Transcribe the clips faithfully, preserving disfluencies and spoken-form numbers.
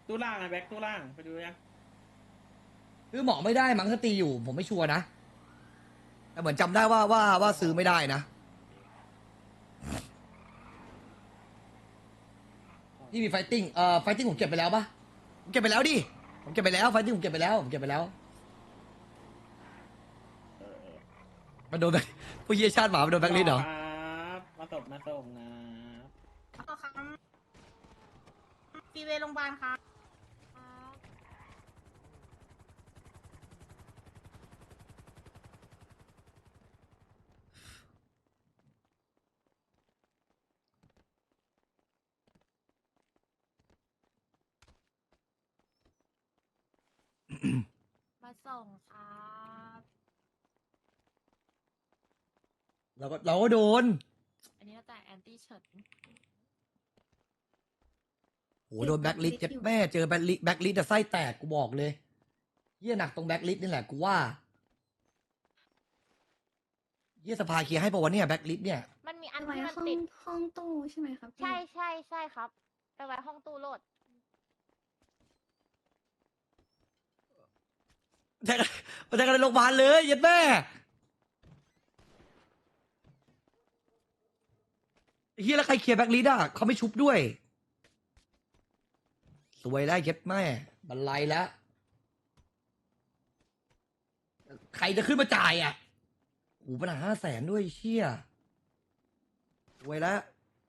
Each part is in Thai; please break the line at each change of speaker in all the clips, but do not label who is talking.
ตู้ล่างไงแบ็คตู้ล่างไปดูยัง
ซื้อหมอไม่ได้มั้งถ้าตีอยู่ผมไม่ชัวร์นะแต่เหมือนจำได้ว่าว่าว่าซื้อไม่ได้นะที่มีไฟติ้งเอ่อไฟติ้งผมเก็บไปแล้วปะผมเก็บไปแล้วดิผมเก็บไปแล้วไฟติ้งผมเก็บไปแล้วผมเก็บไปแล้ว
เออเออ
มันโดนแบงผู้เยี่ยชาติหมามันโดนแบงค์ลิสต์เหรอ
ครับมาตบมาส่งนะ
อ๋อครับฟีเวย์โรงพยาบาลครับมาส่งครับ
เราก็เราก็โดน
อันนี้เราจ่ายแอนตี้เฉิน
โหโดนแบ็คลิสต์เจ็ดแม่เจอแบ็คลิสต์แบ็คลิสต์จะไส้แตกกูบอกเลยเยี่ยหนักตรงแบ็คลิสต์นี่แหละกูว่าเยี่ยสภาเคลียร์ให้ปะวะเนี่ยแบ็คลิสต์เนี่ย
มันมีอัน
ไว้
ที่มัน
ห้อง
ติด
ห้องตู้ใช่ไหมครับพี่
ใช่ใช่ใช่ครับ ไปไว้ห้องตู้โหลด
แทงกันมาแทงกันในโรงพยาบาลเลยเย็ดแม่เฮียแล้วใครเคลียร์แบ็คลิสต์อ่ะเขาไม่ชุบด้วยสวยได้เย็ดแม่บันไลแล้วใครจะขึ้นมาจ่ายอ่ะโอ้โหปัญหาห้าแสนด้วยเชี่ยสวยแล้ว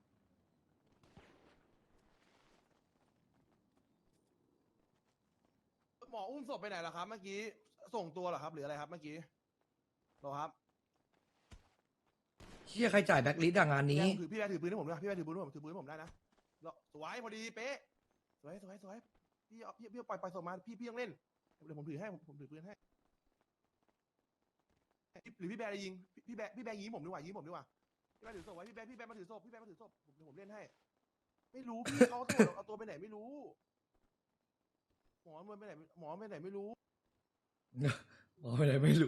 หมออุ้มศพไปไหนล่ะครับเมื่อกี้ส่งตัวเหรอครับหรืออะไรครับเมื่อกี้เหรอครับ
เชี่ยใครจ่ายแบ็คลิสต์อะงานนี้
พี่แบร์ถือพี่แบร์ถือปืนให้ผมด้วยพี่แบร์ถือปืนให้ผมถือปืนให้ผมได้นะแล้วสวยพอดีเป๊ะสวยสวยสวยพี่เอาพี่พี่เอาปล่อยปล่อยศพมาพี่พี่ยังเล่นเดี๋ยวผมถือให้ผมผมถือปืนให้หรือพี่แบร์จะยิงพี่แบร์พี่แบร์ยิงผมดีกว่ายิงผมดีกว่าพี่แบร์ถือศพไว้พี่แบร์พี่แบร์มาถือศพพี่แบร์มาถือศพผมเดี๋ยวผมเล่นให้ไม่รู้พี่เขาเอาตัวเอาตัวไปไหนไม่รู้หมอมันไปไหนหมอไปไหนไม่รู้
บอกไปไหนไม่รู้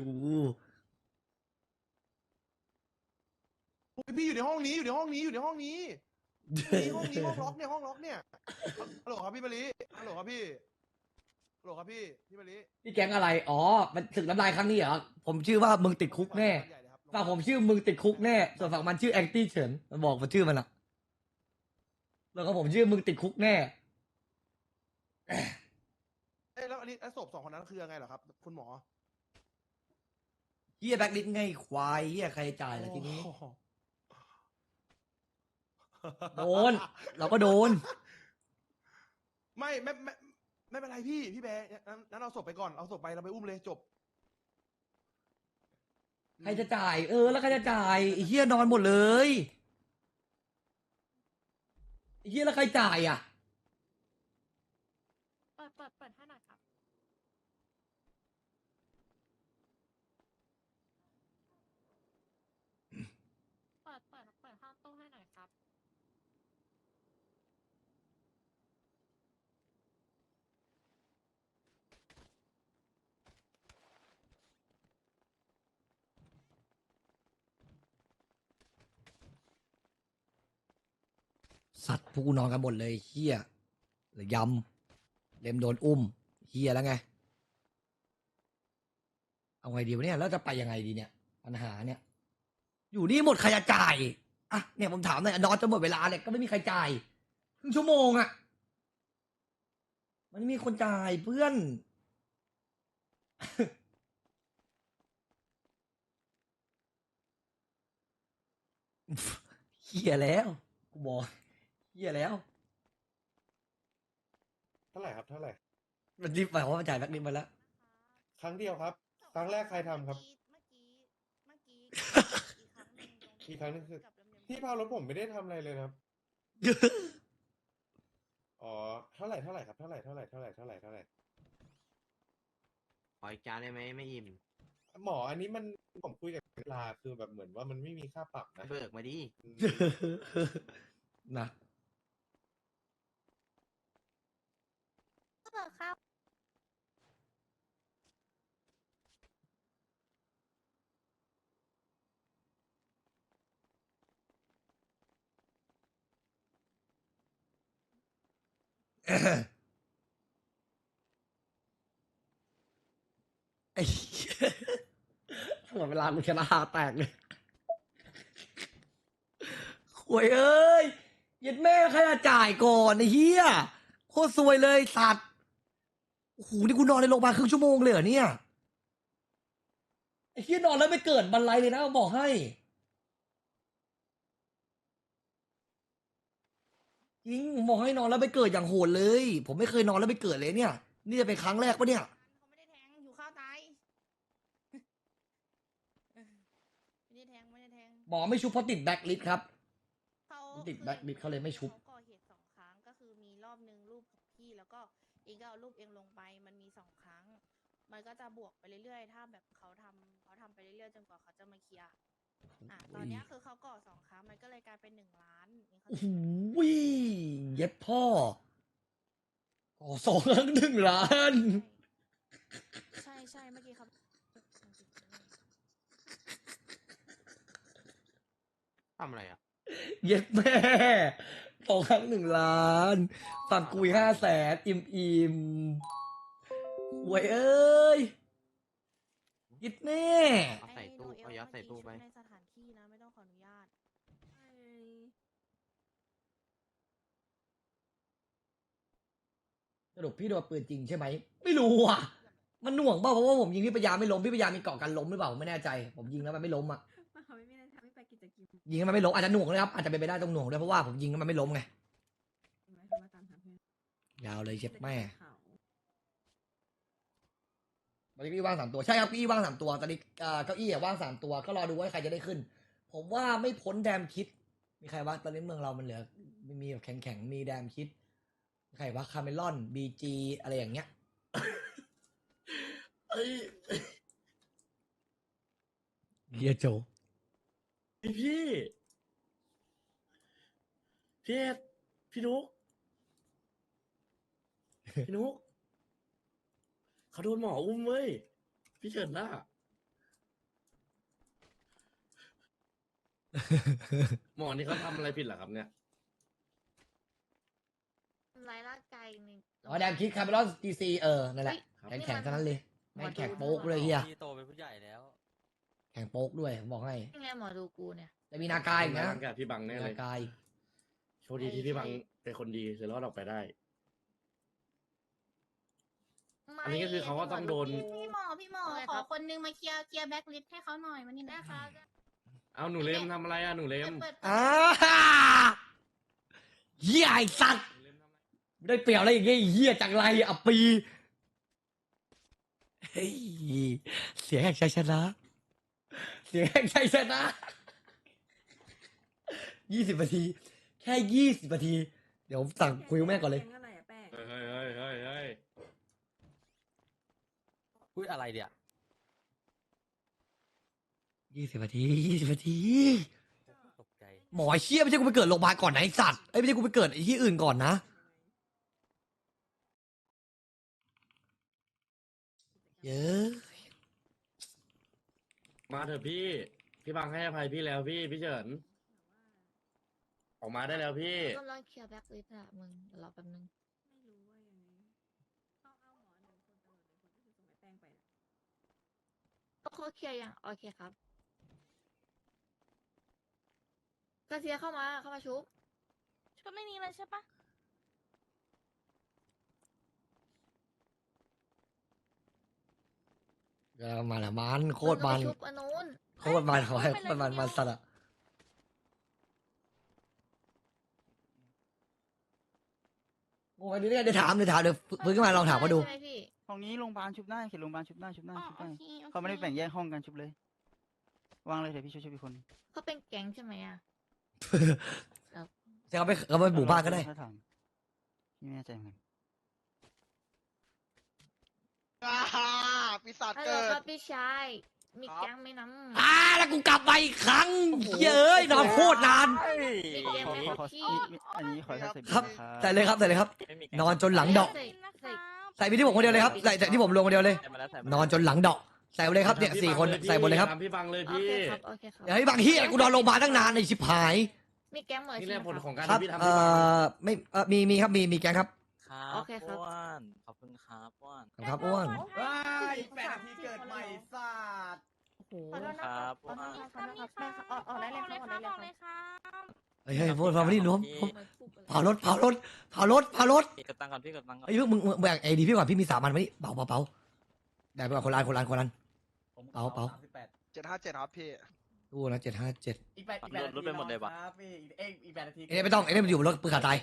พี่อยู่ในห้องนี้อยู่ในห้องนี้อยู่ในห้องนี้ห้องนี้ห้องนี้ห้องล็อกเนี่ยห้องล็อกเนี่ยฮัลโหลครับพี่มะลิฮัลโหลครับพี่ฮัลโหลครับพี่พี่มะลิ
พี่แก๊งอะไร อ๋อ มันศึกน้ำลายครั้งนี้เหรอ ผมชื่อว่ามึงติดคุกแน่ฝั่งผมชื่อมึงติดคุกแน่ ส่วนฝั่งมันชื่อแองตี้เฉินมันบอกมาชื่อมันอะแล้วก็ผมชื่อมึงติดคุกแน่
เอ้ยแล้วอันนี้ไอ้ศพสองคนนั้นคือยังไงเหรอครับ คุณหมอ
เฮียแบ็คลิสต์ไงควายเฮียใครจ่ายล่ะทีนี้
โอ้โห
โดน เราก็โดน
ไม่ไม่ไม่ไม่เป็นไรพี่พี่แบร์นั้นนั้นเอาศพไปก่อนเอาศพไปเราไปอุ้มเลยจบ
ใครจะจ่าย เออ แล้วใครจะจ่ายไอ้เฮียนอนหมดเลยไอ้เฮียแล้วใครจ่ายอ่ะ
เปิดเปิดเปิดให้หน่อยครับ เปิดเปิดเปิดห้องตู้ให้หน่อยครับ
สัตว์พวกกูนอนกันหมดเลยเฮียหรือยำเลมโดนอุ้มเฮียแล้วไง เอาไงดีวะเนี่ยแล้วจะไปยังไงดีเนี่ย ปัญหาเนี่ย อยู่นี่หมดใครจะจ่ายอ่ะเนี่ยผมถามหน่อยนอนจนหมดเวลาเนี่ยก็ไม่มีใครจ่ายครึ่งชั่วโมงอ่ะมันไม่มีคนจ่ายเพื่อน เฮียแล้วกูบอกเฮียแล้ว
เท่าไหร่ครับเท่าไหร่
มันรีบไปเพราะมันจ่ายแบ็คลิสต์มาแล้ว
ครั้งเดียวครับ ครั้งแรกใครทำครับ
เมื่อกี้เมื่อกี้อีกครั้งหนึ่งตรง
อีกครั้งหนึงคือ
กับลำเลียง
พี่พารถผมไม่ได้ทำอะไรเลยนะครับ อ๋อ เท่าไหร่เท่าไหร่ครับ เท่าไหร่เท่าไหร่เท่าไหร่เท่าไหร่เท่าไหร่
ขออีกจานได้ไหมไม่อิ่ม
หมออันนี้มันผมคุยกับเวลาคือแบบเหมือนว่ามันไม่มีค่าปรับนะ
เบิกมาดิ
นะ
เปิดครับ
ไอ้เหี้ยตลอดเวลากูชนะหาแตกเลยหวยเอ้ยยัดแม่ใครจะจ่ายก่อนไอ้เหี้ยโคตรซวยเลยสัตว์โอ้โหนี่กูนอนในโรงพยาบาลครึ่งชั่วโมงเลยเหรอเนี่ยไอ้เหี้ยนอนแล้วไม่เกิดบันไลเลยนะบอกให้จริงผมบอกให้นอนแล้วไปเกิดอย่างโหดเลย ผมไม่เคยนอนแล้วไปเกิดเลยเนี่ย นี่จะเป็นครั้งแรกปะเนี่ย
เขาไม่ได้แทงอยู่ข้าวตาย ไม่ได้แทงไม่ได้แทง
หมอไม่ชุบเพราะติดแบ็คลิสต์ครับ
เขา
ติดแบ็คลิสต์เขาเลยไม่ชุบ
เขาก่อเหตุสองครั้งก็คือมีรอบหนึ่งรูปของพี่แล้วก็เองก็เอารูปเองลงไปมันมีสองครั้ง มันก็จะบวกไปเรื่อยๆ ถ้าแบบเขาทำเขาทำไปเรื่อยๆจนกว่าเขาจะมาเคลียร์อ่ะตอนเนี้ยคือเขาก่อสองครั้งมันก็เลยกลายเป็นหนึ่งล้านเองเข้า
โอ้
ใจ
โห
ไหม
เย็ดพ่อขอสองครั้งหนึ่งล้าน
ใช่ใช่เมื่อกี้เขา
ทำอะไรอ่ะ
เย็ดแม่สองครั้งหนึ่งล้านฝั่งกุยห้าแสนอิ่มอิ่มหวยเอ้ยเย็ดแม่
เอาใส่ตู้
ไอ้
เอายัดใส่ตู้ไป
ในสถานที่นะไม่ต้องขออนุญาต
สรุปพี่โดนปืนจริงใช่ไหม ไม่รู้อ่ะ มันหน่วงเปล่าเพราะว่าผมยิงพี่ปยาไม่ล้มพี่ปยามีเกาะกันล้มหรือเปล่าผมไม่แน่ใจ ผมยิงแล้วมันไม่ล้มอ่ะ
เขาไม่ได้ทำให้ไปกิจกรรม
ยิงแล้วมันไม่ล้มอาจจะหน่วงเลยครับอาจจะเป็นไปได้ตรงหน่วงด้วยเพราะว่าผมยิงแล้วมันไม่ล้มไง
ไหมเขามาตามหาเพื่อน
ยาวเลยเจ็บแม่
เขา
ตอนนี้เก้าอี้ว่างสามตัวใช่ครับเก้าอี้ว่างสามตัวตอนนี้เอ่อเก้าอี้อะว่างสามตัวก็รอดูว่าใครจะได้ขึ้น ผมว่าไม่พ้นแดมคิด มีใครวะตอนนี้เมืองเรามันเหลือมีมีแบบแข็งๆมีแดมคิดมีใครวะคาเมลอนบีจีอะไรอย่างเงี้ย
เอ้ย
เฮียโจ
พี่พี่พี่เอ็ดพี่นุกพี่นุกเขาโดนหมออุ้มเว้ยพี่เฉินน่ะ หมอนี่เขาทำอะไรผิดเหรอครับเนี่ย
ทำร้ายร่างกายใน
อ๋อแดมคิดคาเมลอนจีซีเออนั่นแหละ
ครับ
แข็งแข็งๆเท่านั้นเลย
หมอ
แม่ง
ดู
แข็งโป๊กเลยเฮีย
พี่โตเป็นผู้ใหญ่แล้ว
แข็งโป๊กด้วยผมบอกให้
ยังไงหมอดูกูเนี่ย
แต่มีนากายอีกนะ
ทำงกับพี่บังแน่
มี
เล
นาย กาย
โชคดีที่พี่บังเป็นคนดีเลยรอดออกไปได้ อันนี้ก็คือเขาก็ต้องโดน
พี่หมอพี่หมอ
โอเค
ข
ครั
อบ คนนึงมาเคลียร์เคลียร์แบ็คลิสต์ให้เขาหน่อยมานี่หน่
ได้
อย
ครับ
เอาหนูเลมทำอะไรอะหนูเลม
เปิด
อ่าเฮียไอสัตว์
หนูเลมทำอะไร
ได้เปรียบอะไรอย่างเงี้ยไอ้เฮียจังไรอับปี เฮ้ย เสียงแห่งชัยชนะ เสียงแห่งชัยชนะยี่สิบนาที แค่ยี่สิบนาที เดี๋ยวผมสั่งคุยกับแม่ก่อนเลย
แกงอะไรอะแป้ง
เฮ้ยเฮ้ยเฮ้ยเฮ้ยเฮ้ย
พูดอะไรเดี๋ยว
ยี่สิบนาทียี่สิบนาที
ตกใจ
หมอไอ้เชี่ยไม่ใช่กูไปเกิดโรงพยาบาลก่อนนะไอสัตว์ไอ้ยไม่ใช่กูไปเกิดไอ้ที่อื่นก่อนนะ เยอะ
มาเถอะพี่ พี่บังให้อภัยพี่แล้วพี่พี่เฉิน ออกมาได้แล้วพี่
กำลังเคลียร์แบ็คลิสต์อะมึงเดี๋ยวรอแป๊บนึง
ไม่รู้ว่ายังไงเอาเอาหมอหนึ่งคนตำรวจหนึ่งคนก็คือส่งไอ้แป้งไปนะ
เขาเคลียร์ยังโอเคครับกระเซียเข้ามาเข้ามาชุบ
ชุดไม่มีเลยใช่ปะ
เออมาละมันโคตรมัน
งก็ไปชุบอันนู้น
โคตรมันขอให้โคตรมันมันสัตว์อะโอ้ยนี่เนี่ยเดี๋ยวถามเดี๋ยวถามเดี๋ยวฟื้นขึ้นมาลองถามเขาดู
ใช่ไหมพี่
ห้องนี้โรงพยาบาลชุบได้เขตโรงพยาบาลชุบได้ชุบได้
อ๋อ
ชุบ
โอ
ได้
เคโอค
เขาไม่ได้แบ่งแยกห้องกันชุบเลย วางเลยเดี๋ยวพี่ช่วยช่วยพี่คน
เขาเป็นแก๊งใช่ไหมอะ
จะเขาไปเขาไปหมู่บ้านก็ได้
ถ้าถามพี่ไม่แน่ใจเหมือนกัน
ปีศาจ
ฮัลโหล
เกิด
ครับพี่ชายมีแก๊งไหมน้ำ
อ่าแล้วกูกลับมาอีกครั้งเย้ยนอนโคตรนาน
มีแก๊ง
ขอ
ไหม
ขอขอ
พี่
มีมีอันนี้ขอใช้ใส่บิล
ครับ
นะครับ
ใส่เลยครับใส่เลยครับ
ไม่มี
นอนจนหลังดอก
ใส่ใส่
ใส่ไปที่ผมคนเดียวเลยครับใส่ใส่ที่ผมลงคนเดียวเลย
ใส่มาแล้วใส่มา
นอนจนหลังดอกใส่ไปเลยครับเนี่ยสี่คนใส่หมดเลยครับ
ตามพี่บังเลย
โอ
พี่
เคครับโอเคครับ
เดี๋ยวให้บางที่กูนอนโรงพยาบาลตั้งนานในชิบหาย
มีแก๊งเหมือน
นี่
ใช่
แห
ไห
ละ
ม
ผล
ครับ
ของการ
ครับ
ที่พี่ทำ
เอ่
พี่บัง
อไม่เอ่อมีมีครับมีมีแกงครับ
ครับ
โอเคครับ
อ้วนขอบคุณครับอ้วน
ขอบคุณครับอ้วน
ว้ายแปดนาทีเกิดใหม่สัตว์
โอ้โห
ขอโทษนะครับขอโทษครับขอโทษครับแม่ครับออกออกได้เลยครับออกได้เลยครับ
เฮ้ยเฮ้ยพูดมาไม่ได้รวมผมเผารถเผารถเผารถเผารถ
พี่กดตังค์ก่อนพี่กดตังค์ก่อน
ไอ้ยมึงมึงแบ่งไอ้ดีพี่ก่อนพี่มีสามอันมานี่เป๋าเป๋าเป๋าแบ่งไปก่อนคนละอันคนละอันคนละอัน เป๋าเป๋า
เจ็ดห้าเจ็ดครับพี่
ตู้นะเจ็ดห้าเจ็ด
อีกแปดอีกแปดนาที
รถไปหมดเลยวะ
ครับพี่อีกเอ้ยอีกแปดนาที
ไอ้เนี่ยไม่ต้องไอ้เนี่ยมันอยู่บนรถปืนขาดตาย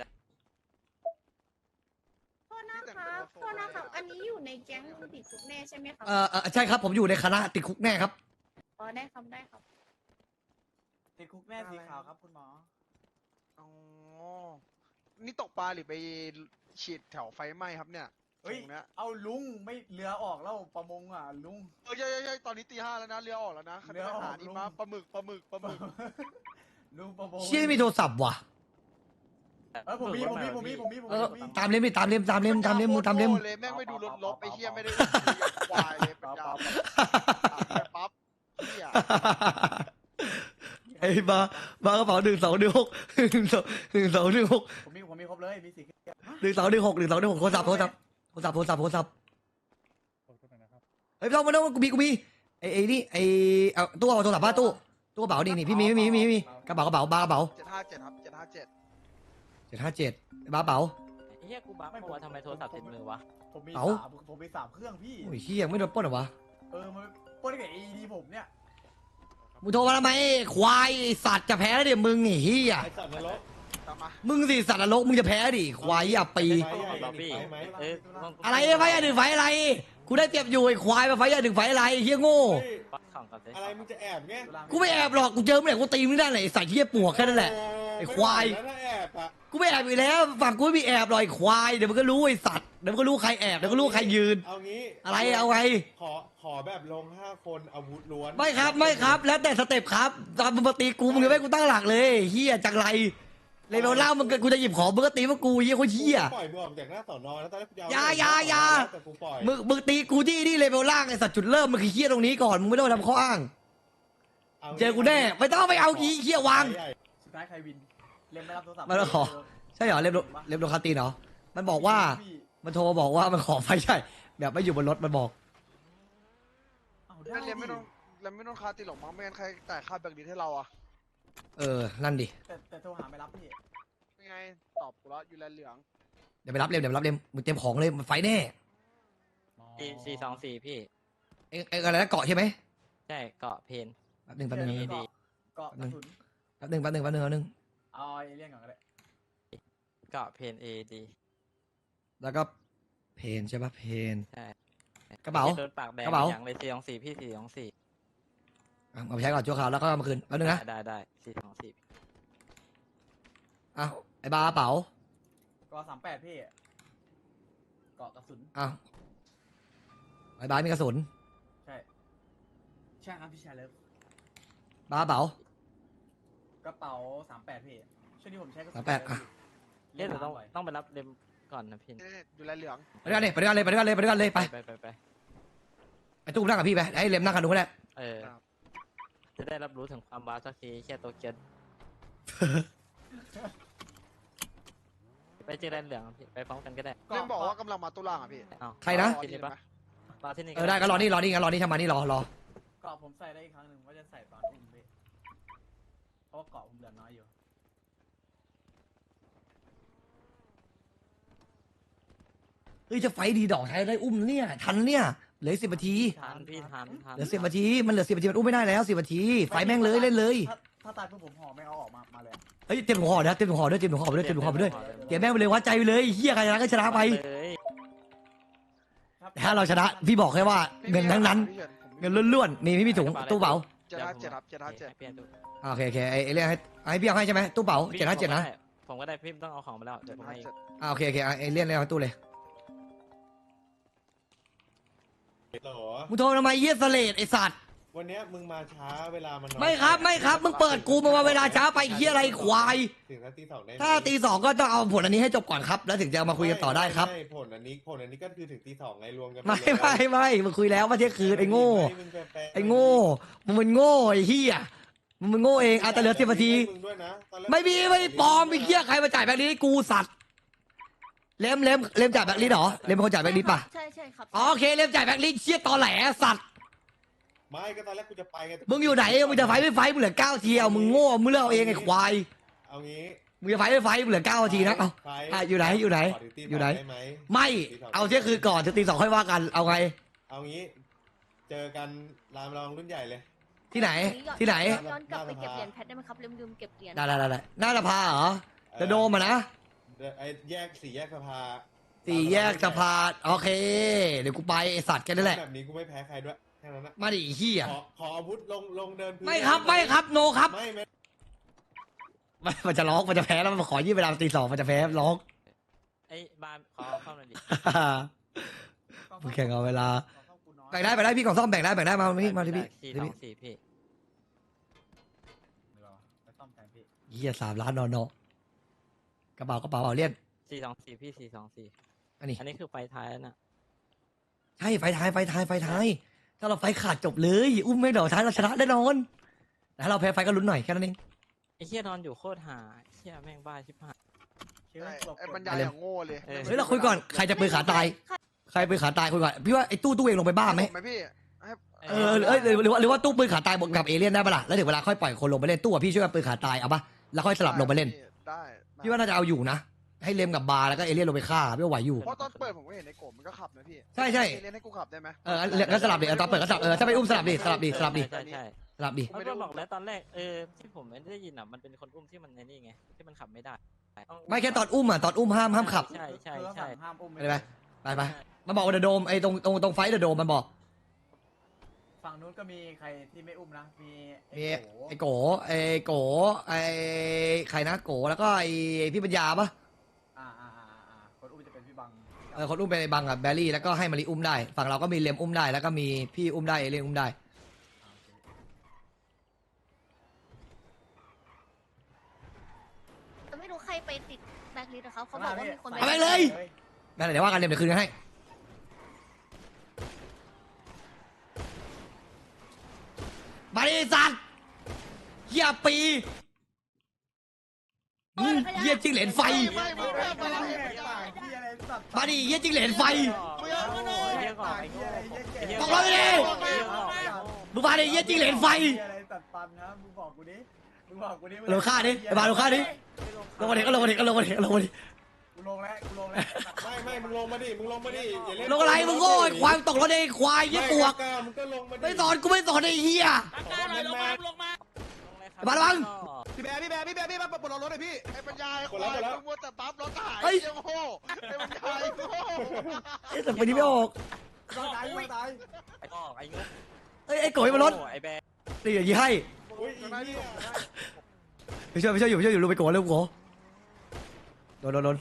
โทษนะครับโทษนะครับ อันนี้อยู่ในแก๊งติดคุกแน่ใช่ไหมครับ
เออเออใช่ครับผมอยู่ในคณะติดคุกแน่ครับ
อ๋อได้ครับได้ครับ
ติดคุกแน่สีขาวครับคุณหมอ
อ๋อ นี่ตกปลาหรือไปฉีดแถวไฟไหม้ครับเนี่ย
เฮ้ย
ตรงเนี้ย
เอาลุงไม่เรือออกแล้วประมงอ่ะลุง
เออใช่ใช่ใช่ตอนนี้ตีห้าแล้วนะ เรือออกแล้วนะ
เรือออก
หานี่
ลุง
มาปลาหมึกปลาหมึกปลาหมึก
ลุงประมง
เชี่ยไม่มีโทรศัพท์ว่ะ
เออผมมีผมมีผมมีผมมีผม
เอ
มี
อ
ผมมี
ตามเล่มดิตามเล่มตามเล่มตามเล่มมึงตามเล่ม
โคตรโง่เลยแม่งไม่ดูรถลบไอ้เหี้ยไม่ได้ควายเลยปัญญาปั๊บเหี้ย
ไอ้บาบากระเป๋าหนึ่งสองหนึ่งหกหนึ่งสองหนึ่งสองหนึ่งหก
ผมมีผมมีครบเลยมีสี่
หนึ่งสองหนึ่งหกหนึ่งสองหนึ่งหกโทรศัพท์โทรศัพท์โทรศัพท์โทรศัพท์โทรศัพท์เฮ้ยไม่ต้องไม่ต้องกูมีกูมีไอ้ไอ้นี่ไอ้เอาตู้เอาโทรศัพท์ป้าตู้ตู้กระเป๋านี่นี่พี่มีมีมีมีกระเป๋ากระเป๋าบากระเป๋า
เจ็ดห้าเจ็ดครับเจ็ดห้าเจ็ด
เจ็ดห้าเจ็ดบ้าเป๋า
ไอ้เฮียกูบักเพราะว่าทำไมโทรศัพท์ติดมือวะ
ผมมี
เอ้า
สามผมมีสามเครื่องพี่
โอ้ยเฮียไม่โดนปล้นเหรอวะ
เออมันปล้นกับเอดีผมเนี่ย
มึงโทรมาทำไมควายไอ้สัตว์จะแพ้แล้วเดี๋ยวมึงไอ้เฮีย
ไอสัตว์นรก
ตามมา
มึงสิสัตว์นรกมึงจะแพ้ดิควายอ่ะปี
ไฟใหญ่
บักพี่
ไฟไหม
เอ้ยต้อง
อะไรไฟอ่ะหนึ่งไฟอะไรกูได้เปรียบอยู่ไอ้ควายมาไฟอ่ะหนึ่งไฟอะไรเฮียโง่
เฮ้ย
ปักของก่อนสิ
อะไรมึงจะแอบไง
กูไม่แอบหรอกกูเจอเมื่อไหร่กูตีมึงได้ไหนไอ้สัตว์เฮียปวกแค่นั้นแหละ ไอ้ควาย
แล้วถ้าแอบอะ
กูไม่แอบอยู่แล้วฝั่งกูไม่มีแอบหรอกไอ้ควายเดี๋ยวมันก็รู้ไอ้สัตว์เดี๋ยวมันก็รู้ใครแอบเดี๋ยวก็รู้ใครยืน
เอางี้
อะไรเอาไง
ขอขอแบบลงห้าคนอาวุธล้วน
ไม่ครับไม่ครับ แล้วแต่สเต็ปครับตอนมึงมาตีกูมึงยังไม่ให้กูตั้งหลักเลยเฮียจังไรเลยเราเล่ามึงก็กูจะหยิบของมึงก็ตีมากูเฮียโคตรเฮีย
ปล่อยมึงออกจากหน้าสอนอแล้วตอนแรกกูจะเ
อย่าอย่าอย่า
แต่กูปล่อย
มึงมึงตีกูที่นี่เลเวลล่างไอ้สัตว์จุดเริ่มมันคือเฮียตรงนี้ก่อนมึงไม่ต้องมาทำข้ออ้าง
างี้
เจอกูแน่ไม่ต้องไปเอาอีเฮียวาง
ใหญ่
สุดท้ายใครวินเล่มไม่รับโทรศัพท์
มันมาขอ ใช่เหรอเล็บโดเล็บโดคาตีนเหรอมันบอกว่ามันโทรมาบอกว่ามันขอไฟใช่แบบไม่อยู่บนรถมันบอก
เอาได้
นั่นเรียนไม่
ดิ
ต้องเรียนไม่ต้องคาตีหรอกมั้งไม่งั้นใครจ่ายค่าแบงค์ดีให้เราอะ
เออนั่นดิ
แต่แต่โทรหาไม่รับพี่
ยังไงตอบกูแล้วอยู่แลนเหลือง
เดี๋ยวไปรับเล็มเดี๋ยวไปรับเล็มมึงเตรียมของเลยมันไฟแน่
สี่สี่สองสี่พี่
เอ็งเอ็งอะไรนะเกาะใช่ไหม
ใช่เกาะเพน
แป๊บหนึ่งแป๊บหนึ่ง
ดีดี
เกาะกระสุน
แป๊บหนึ่งแป๊บหนึ่งแป๊บหนึ่งแป๊บหนึ่ง
เอาเอเลี่ยนก่อนก็ได้
เกาะเพนเอดี
แล้วก็เพนใช่ปะเพน
ใช่
กระเป๋า
โดนปากแดง
กระเป๋า
อย่างเลยสี่สองสี่พี่สี่สองสี่
อ่ะเอาไปใช้ก่อนชั่วคราวแล้วก็เอามาคืนแป๊บหนึงนะ
ได้ได้สี่สองสี่
อ้าวไอ้บาเป๋า
เกาะสามแปดพี่เกาะกระสุน
อ้าวไอ้บามีกระสุน
ใช่ใช่ครับพี่ชายเลิฟ
บาเป๋าก
ระเป๋าสามแปดพี่ช่วงนี้ผมใช้กระสุน
สามแปดอ่ะ
เอ๊ะแต่ต้อง
บ่ย
ต้องไปรับเล่มก่อนนะพี่
นี่อยู่แลนเหลือง
ไปด้วยกันเลยไปด้วยกันเลยไปด้วยกันเลยไปด้วยกันเลยไป
ไปไปไป
ไอ้ตู้นั่งกับพี่ไปไอ้เล็มนั่งกันดูก็ได้
เออ จะได้รับรู้ถึงความว้าวสักทีแค่โตเกียวไปเจอแลนเหลืองพี่ไปพร้อมกันก็ได้
เล่นบอกว่ากำลังมาตุลาอ่ะพี่
เอา
ใครนะ
ที่นี่ปะรอที่นี่
เออได้ก็รอนี่รอนี่กันรอนี่ทำมานี่รอรอ
เกาะผมใส่ได้อีกครั้งหนึ่งว่าจะใส่ตอนอุ้มพี่เพราะว่าเกาะผมเหลือน้อยอยู่
เฮ้ยจะไฟดีดอกไทยได้อุ้มเนี่ยทันเนี่ยเหลือสิบนาที
ทันพี่ทันทัน
เหลือสิบนาทีมันเหลือสิบนาทีมันอุ้มไม่ได้แล้วสิบนาทีไฟแม่งเลยเล่นเลย
ถ้าถ้าตายเพื่อผมห่อแม่งเอาออกมามาเลยอะ
เฮ้ยเต็มถุงห่อนะเต็มถุงห่อด้วยเต็มถุงห่อไปด้วยเต็มถุงห่อไปด้วยเก็บแม่งไปเลยวัดใจไปเลยเฮียใครชนะก็ชนะไป
เลย
ครับ
ถ้าเราชนะพี่บอกแค่ว่าเงินทั้งนั้น
พี่ฉิผม
เงินล้วนๆมีไม่มีถุงตู้เป๋า
เจ็ดห้าเจ็ดครับเจ็ดห้าเจ็ด
ให้พี่ดู
อ่าโอเคโอเคไอ้ไอ้เรื่องให้ให้พี่เอาให้ใช่ไหมตู้เป๋าเจ็ดห้าเจ็ดนะ
ผมก็ได้พี่ต้องเอาของมาแล้วเดี๋
เจ็
ยว
ด
ผม
ห้า
ให้
เจ็ด
อ่าโอเคโอเคอ่ะไอ้เรื่องเรื่องตู้เลย
เหรอ
มึงโทรทำไมเยี่ยสเลดไอ้สัตว์
วันเนี้ยมึงมาช้าเวลามันน้อย
ไม่ครับไม่ครับมึงเปิดกูมาเวลาช้าไปเฮียอะไรควาย
ถึงนาทีสองได้ไหม
ถ้าตีสองก็ต้องเอาผลอันนี้ให้จบก่อนครับ แล้วถึงจะมาคุยกันต่อได้ครับ
ม่ผลอันนี้ผลอันนี้ก็คือถึงตีสองไงรวมกัน
ไม่
เลย
ไม่ไม่มึงคุยแล้วว่าเที่ยงคืนไอ้โง่
ม่มึงแปลกๆ
ไอ้โง่มึงมันโง่ไอ้เฮียมึงมันโง่เองอ่ะแต่เหลือสิบนาที
มึงด้วยนะตอนแรก
ไม่มีไม่ปลอมไอ้เฮียใครมาจ่ายแบบนี้ให้กูสัตว์เล็มเล็มเล็มจ่ายแบงค์ลิสต์เหรอเล็มเป็นคนจ่ายแบงค์ลิสต์ป่ะ
ใช่ใช่ครับ
อ๋อโอเคเล็มจ่ายแบงค์ลิสต์เชี่ยตอแหลสัตว์
ไม่ก็ตอนแรกกูจะไปไง
มึงอยู่ไหนมึงจะไฟไม่ไฟมึงเหลือเก้าทีเอามึงโง่มึงเลือกเอาเองไอ้ควาย
เอางี้
มึงจะไฟไม่ไฟมึงเหลือเก้าทีนะเอา
ไป
อ่ะอยู่ไหนอยู่ไหน
ขตี
อยู่ไหน
ด้ไหม
ไม่เอาเที่ยงคืนก่อนถึงตีสองค่อยว่ากันเอาไง
เอางี้ เจอกันรามรองรุ่นใหญ่เลย
ที่ไหนที่ไหน
ย้อนกลับไปเก็บเหรียญแพทได้ไหมครับลืมลืมเก็บเหรียญ
ได้ได้ได้ได้หน้าสภาเหรอจะโดมอ่ะนะ
เดี๋ยวไอ้แยกสี่แยกสภา
สี่แยกสภาโอเค เดี๋ยวกูไปไอสัตว์แค่นั้นแหละ
แบบนี้กูไม่แพ้ใครด้วยแค่นั้นนะ
มาดิไอ้เฮีย
ขอขออาวุธลงลงเดินพื้น
ไม่ครับไม่ครับโนครับ
ไม่ไม่
ไม่มันจะร้องมันจะแพ้แล้วมันขอยืดเวลาตีสองมันจะแพ้ร้อง
ไอ้บานขอเข้าหน่อยดิ
มึงแข่งเอาเวลา
ขอเข้ากูน้อย
แบ่งได้แบ่งได้พี่ของซ่อมแบ่งได้แบ่งได้มาที่มาที่พี่
สี่
ที่
สอ
พี่
งสี่พี่
เดี๋ยวไปซ่อมแทนพี่
เฮียสามล้านนอนอกกระเป๋ากระเป๋าเอาเลี่ยน
สี่สองสี่พี่สี่สองสี่
อันนี้
อันนี้คือไฟท้ายแล้วน่ะ
ใช่ไฟท้ายไฟท้ายไฟท้ายถ้าเราไฟขาดจบเลยอุ้มไม่เดี๋ยวท้ายเราชนะแน่นอนแต่ถ้าเราแพ้ไฟก็ลุ้นหน่อยแค่นั้นเอง
ไอ้เหี้ยนอนอยู่โคตรหาไอ้เหี้ยแม่งบ้าชิบหาย
เชื่อหลบ
ไอ้
ก
บร
ด
รยายอย่างโง่เลย
เออ
เฮ้ยเราคุยก่อนใครจะปืนขาตายใครปืนขาตายคุยก่อนพี่ว่าไอ้ตู้ตู้เองลงไปบ้าไหม
ไหมพี่ให้
เออเอ้ยหรือหรือว่าหรือว่าตู้ปืนขาตายบวกกับเอเลี่ยนได้ปะล่ะแล้วถึงเวลาค่อยปล่อยคนลงไปเล่นตู้อะพี่ช่วยกันปืนขาตายเอาปะแล้วค่อยสลับลงไปเล่น
ได้
พี่ว่าน่าจะเอาอยู่นะให้เลมกับบาร์แล้วก็เอเลี่ยนลงไปฆ่าพี่ว่าไหวอยู่
เพราะตอนเปิดผมก็เห็นในโกบมันก็ขับนะพี่
ใช่ใช่
เล่นให้กูขับได้ไหม
เอองั้นงั้นสลับดิเอาตอนเปิดก็สลับเออถ้าไปอุ้มสลับดิสลับดิสลับดิ
ใช่ใช่
สลับดิ
เขาก็บอกแล้วตอนแรกเออที่ผมไม่ได้ยินอ่ะมันเป็นคนอุ้มที่มันในนี่ไงที่มันขับไม่ได้
ไม่แค่ตอนอุ้มอ่ะตอนอุ้มห้ามห้ามขับ
ใช่ใช่
คือ
ใช่
สั่งห้ามอุ้ม
ไปไปไปไปมันบอกว่าเดอะโดมไอ้ตรงตรงตรงไฟเดอะโดมมันบอก
ฝั่งนู้นก็มีใครที่ไม่อุ้มนะ มี
มี
ไอ้โก
ไอ้โกไอ้โกไอ้ใครนะโกแล้วก็ไอ้พี่ปัญญาปะ
อ่าอ่าอ่าอ่าคนอุ้มจะเป็นพี่บัง
เออคนอุ้มเป็นไอ้บังกับแบลลี่แล้วก็ให้มาริอุ้มได้ฝั่งเราก็มีเลมอุ้มได้แล้วก็มีพี่อุ้มได้เอเลี่ยนอุ้มได้
แต่ไม่รู้ใครไปติดแบล็คลิสต์นะครับเขาบอกว่ามีคน
เอาไปเลย นั่นแหละเดี๋ยวว่ากันเลมเดี๋ยวคืนกันให้บริษัทเฮียปีอืมเฮียจิ้งเหลนไฟ
ไม่ไม่ไม่ไม่ไม่
ที่อะไรสัตว์
มาดิเฮียจิ้งเหลนไฟ
เหี้ยก่อนไอ้เหี้ยไอ้เหี้ย
ตกรถไปดิ มึงมาดิเฮียจิ้งเหลนไฟ
เหี้ยอะไรสัตว์ปันนะมึงบอกกูดิมึงบอกกูดิ
ลงค่าดิไอ้บาลงค่าดิ ลงมาดิก็ลงมาดิก็ลงมาดิก็ลงมาดิ
กูลงแล้วกูลงแล้ว
ไม่ไม่มึงลงมาดิมึงลงมาดิอย่าเล่น
ลงอะไรมึงโง่ไอ้ควายมึงตกรถไอ้ควายยี่ปวก
ไม่ล้ามึงก็ลงมาดิ
ไม่สอนกูไม่สอนไอ้เฮีย บาสระวัง
พี่แบร์พี่แบร์พี่แบร์พี่แบร์ปลดล็อกรถหน่อยพี่ไอ้ปัญญาไอ้ควายมึงมัวแต่ปั๊บรถหาย
เฮ้ย
เจ้าโง่ไอ้ปัญญาไอ้โง่
เอ๊ะแต่ไปนี้ไม่ออก
ต้องตายต้องตาย
ไอ้งอกไอ้งก
เอ้ยไอ้โกยมารถ
ไอ้แบร์
นี่อย่างนี้ให้
อุ้ยอีเนี่ย
ไปช่วยไปช่วยอยู่ไปช่วยอยู่ลูกไปโกยเร็วโกยโดนโดนโดน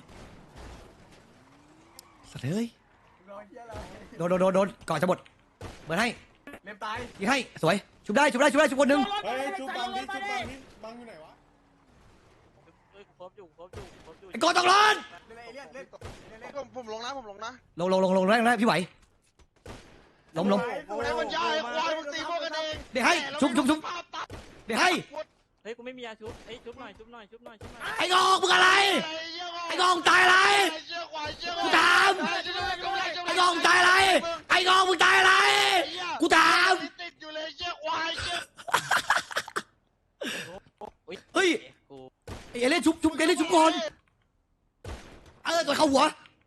สัตว์เฮ้ย
มึงรอเหี้ยอะไร
โดนโดนโดนโดนก่อนจะหมดเบิร์นให้
เล็บตาย
ยิงให้สวยชุบได้ชุบได้ชุบได้ชุบคนหนึ่ง
เฮ้ยชุบบังดิชุบบังดิบังอยู่ไหนวะ
เฮ้ยครบอยู่ครบอยู่ครบอยู่
ไอ้โกยต้องรอน
เล่นเอเลี่ยนเล่นเล่นเล่น
ผมผมลงนะผมลงนะ
ลงลงลงลงแรงแรงพี่ไหวล้มล้ม
ไอ้ปัญญาไอ้ควายมึงตีพวกกันเอง
เดี๋ยวให้ชุบชุบชุบเดี๋ยวให้
เฮ้ยกูไม่มียาชุบเฮ้ยชุบหน่อยชุบหน่อยชุบหน่อยชุบหน่อย
ไอ้งอกมึงอะไร ไอ้งอกตายอะไรกูถามไอ้งอกตายอะไรไอ้งอกมึงตายอะไรกูถาม
ติดอยู่เลยเชี่ยควายเชี่ย
เฮ้ย
กู
ไอ้เอเล่นชุบชุบเอเล่นชุบก่อนเออตัวเข้าหัว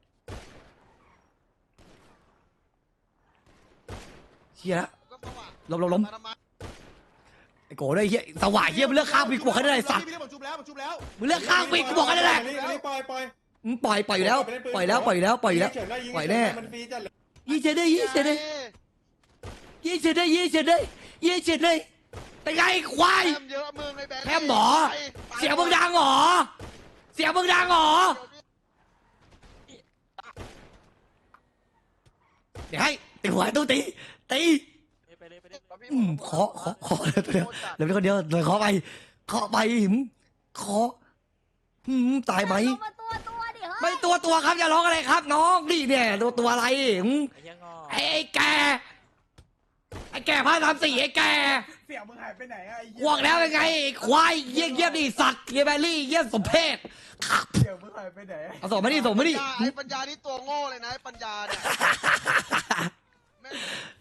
เฮียละล้มล้มล้มไอ้โก้ด้วยเฮียสว่ายเฮียมึงเลือกข้างปีกกูบอกให้ได้ไอ้สัตว์
พี่ผมชุบแล้วผมชุบแล้ว
มึงเลือกข้างปีกกูบอกให้ได้แหละ
นี่นี่ปล่อยปล่อย
มึงปล่อยปล่อยอยู่แล้วปล่อยแล้วปล่อยอยู่แล้วปล่อยอยู่แล้ว
เฉินได้ยิง
ปล่อยแน่
มันฟรีจัดเลย
ยี่เฉยได้ยี่เฉยได้ยี่เฉยได้ยี่เฉยได้ยี่เฉยได้เป็นไงควาย
แคมเยอะมึงไอ้แบงค์
แคมหมอ เสียงมึงดังเหรอเสียงมึงดังเหรอเดี๋ยวให้ตีหัวตู้ตีตี
ไปเลยไปเลย
อืมขอขอขอเดี๋ยวเดี๋ยวเป็นคนเดียวเลยขอไปขอไปหิมขอหืมตายไหม
มาตัวตัวดิเฮ้ย
ไม่ตัวตัวครับอย่าร้องอะไรครับ น้องนี่เนี่ยตัวตัวอะไรหืม
ไอ้เหี้ยงอก
ไอ้ไอ้แกไอ้อ้แก่ผ้าสามสี่ไอ้แก่
เสี่ยวมึงหายไปไหนอะไอ้เหี้
กวกแล้วเป็นไงไอ้ควายเยี่ยเยี่ยดิสัตว์เยี่ยแบรี่เยี่ยสมเพศครับ
เสี่ยวมึงหายไปไหน
เอาส่งมาดิส่งมาดิ
ไอ้ปัญญานี่ตัวโง่เลยนะไอ้ปัญญาเนี่ยแม่ง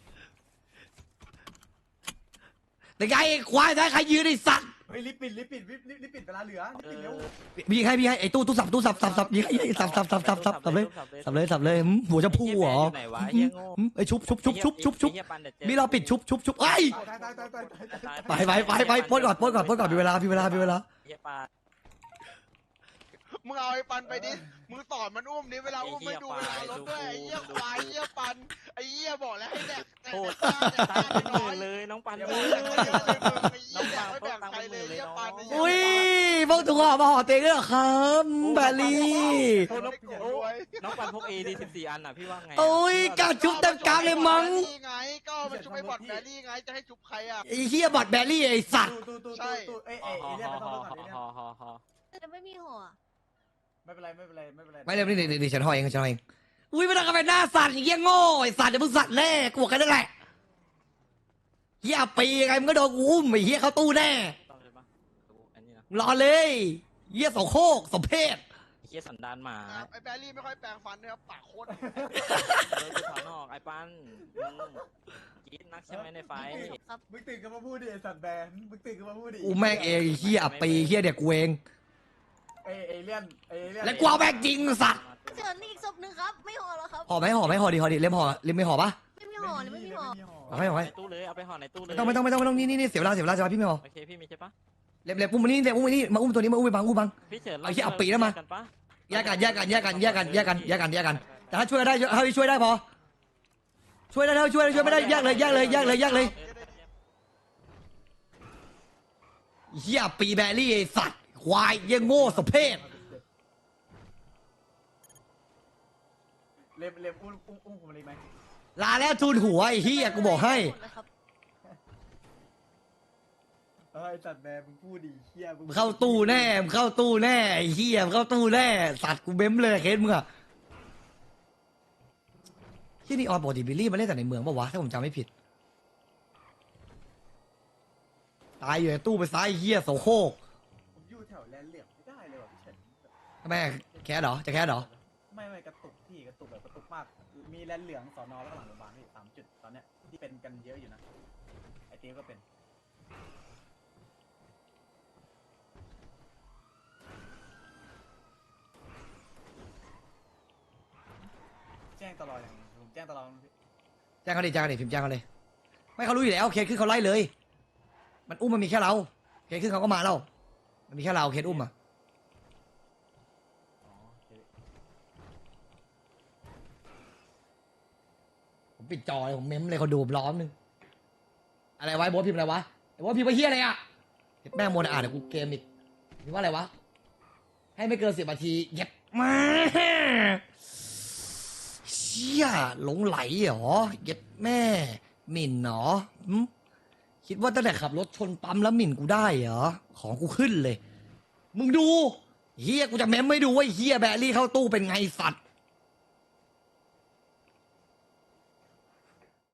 เป็นไงไอ้ควายได้ใครยืนไอ้สัตว์
เฮ้ยรีบปิดรีบปิดรีบรีบรีบปิดเวลาเหลือรีบปิดเร็ว
มีใครมีใครไอ้ตู้ตู้สับตู้สับสับสับมีใครสับสับสับสับสับสับเลยสับเลยสับเลยหืมหัวจะพูเหรอ
ไหนวะเฮียโง่
หืมไอ้ชุบชุบชุบชุบชุบชุบ
ไอ้เหี้ยปันดี๋ยวจอ
มีเราปิดชุบชุบชุบไอ้ย
ตายตายตายตายตาย
ไปไปไปไปปล้นก่อนปล้นก่อนปล้นก่อนมีเวลามีเวลามีเวลา
เฮียปาน
มึงเอาไอ้ปันไปดิมึงสอนมันอุ้มดิเวลาอุ้มไม่ดูเวลารถด้วยไอ้เหี้ยควายไอ้เหี้ยปันไอ้เหี้ยบอกแล้วให้แดกแดก
โคตร
แดกแดก
ตาย
แด
เป็น
ก
ห
น้อ
มื่
ย
นเลยน้องปัน
เดี๋ยว
เย
มึ
อะ
ง
เล
แดก
ย
เยอะเลยมึงไอ้เหี้ยแดกไม่แบ่งใครเลยไอ้เหี้ยปันไอ้เหี้ย
อุ้ยพวกตัวมาห่อเตียงด้วยเหรอครับแบลลี่
โอ้น้องโอ้น้องปันพกเอดีสิบสี่อันอ่ะพี่ว่าไงอะ
โอ้ยกาชุบเต็มกลางเลยมั้ง
แบรี่ไงก็มันชุบไอ้บอดแบรี่ไงจะให้ชุบใครอ่ะ
ไอ้เฮียบอดแบลลี่ไอ้สัตว์
ตู้ตู้ตู้
ใช่
ตู้เอ้ย
ฮ
เอ้ย
อ
เอ้ย
ฮ
เรียก
อ
ไม่ต้อง
ฮอ
ก่อน
ฮอฮอฮอ
แต่ไม่มีหัว
ไม่เป็นไรไม่เป็นไรไม่เป็นไร
ไม่เดี๋ยวนี่นี่นี่ฉันห่อเองฉันห่อเองอุ้ยไม่ต้องกันไปหน้าสั่นไอ้เหี้ยโง่ไอ้สัตว์เดี๋ยวมึงสั่นแน่กูบอกแค่นั้นแหละเฮียปีไงมึงก็โดนกูอุ้มไอ้เฮียเข้าตู้แน่
ต้องใช่ปะดูอันนี้นะ
รอเลยเฮียโสโครกสมเพศ
เฮียสันดานหมา
ไอ้แบรี่ไม่ค่อยแปลงฟันนะครับปากโคตร
เดินไปข้างนอกไอ้ปันมึงกรีดนักใช่ไหมในไฟ
มึงตื่นกันมาพูดดิไอ้สัตว์แบนมึงตื่นกันมาพูดดิ
กูแม่งเองไอ้เฮียอับปีเฮียเด็กกูเอง
เอ้ยเอเลี่ยนเอเลี่ยน
แล้วกูเอาแม่งจริงสัตว์
เชิญนี่อีกศพหนึ่งครับ ไม่ห่อแล้วครับ
ห่อไหมห่อไหมห่อดีห่อดีเล่มห่อเล่มไม่ห่อปะ
ไม่มีห่อเลยไม่มีห่อ
เอาให้เอาให้
ในตู้เลยเอาไปห่อในตู้เลย
ไม่ต้องไม่ต้องไม่ต้องไม่ต้องนี่นี่นี่เสียเวลาเสียเวลาจะมาพี่ไม่ห่อ
โอเคพี่มีใช่ปะ
เล็บเล็บอุ้มมานี่เล็บอุ้มมานี่มาอุ้มตัวนี้มาอุ้มไปบังอุ้มบัง
พี่เฉิน
เอาเหี้ยเอาปีแล้วมา
กันปะ
แยกกันแยกกันแยกกันแยกกันแยกกันแยกกันแยกกัน แต่ถ้าช่วยได้ถ้าช่วยได้พอ ช่วยได้แล้วช่วยได้ช่วยไม่ได้แยกเลยแยกเลยแยกเลยแยกเลยเฮียปีแบรี่ไอ้สัตว์ควายเยี่ยโง่สมเพศ
เล็บเล็บอุ้มอุ้มอุ้มผมเลยไหม
ลาแล้วทูนหัวไอ้เฮียกูบอกให้
เออไอ้สัตว์แบนมึงพูดดิเฮียมึง
มึงเข้าตู้แน่มึงเข้าตู้แน่ไอ้เฮียมึงเข้าตู้แน่สัตว์กูเบ้มเลยเคสมึงอะที่นี่ออนปกติบิลลี่มาเล่นแต่ในเมืองปะวะถ้าผมจำไม่ผิดตายอยู่ในตู้ไปซ้ายไอ้เฮียโสโครก
ผมอยู่แถวแลนเหลี่ยมไม่ได้เลยว่ะพี่เฉิน
ทำไมแคสเหรอจะแคสเหรอ
ไม่ไม่กระตุกพี่กระตุกแบบกระตุกมาก มีแลนเหลืองสอนอแล้วก็หลังโรงพยาบาลพี่สามจุดตอนเนี้ยที่เป็นกันเยอะอยู่นะไอเตี้ยก็เป็นแจ้งตลอดอย่างผมแจ้งตลอดพี่
แจ้งเขาดิแจ้งเขาดิพิมพ์แจ้งเขาเลยไม่เขารู้อยู่แล้วเคสขึ้นเขาไล่เลย มันอุ้มมันมีแค่เราเคสขึ้นเขาก็มาแล้วมันมีแค่เราเคสอุ้มอะ
อ๋อโอเค
ผมปิดจอเลยผมเม้มเลยเขาดูผมล้อมนึงอะไรวะไอ้โบ๊ทพิมพ์อะไรวะไอ้โบ๊ทพิมพ์ว่าเฮียอะไรอะเห็นแม่งโมนาอ่านเดี๋ยวกูเกมอีกพิมพ์ว่าอะไรวะให้ไม่เกินสิบนาทีเย็บมาเชี่ยหลงไหลเหรอเย็บแม่หมิ่นเหรอหึคิดว่าตั้งแต่ขับรถชนปั๊มแล้วหมิ่นกูได้เหรอของกูขึ้นเลย มึงดูเฮียกูจะเม้มไม่ดูว่าไอ้เฮียแบรี่เข้าตู้เป็นไงสัตว์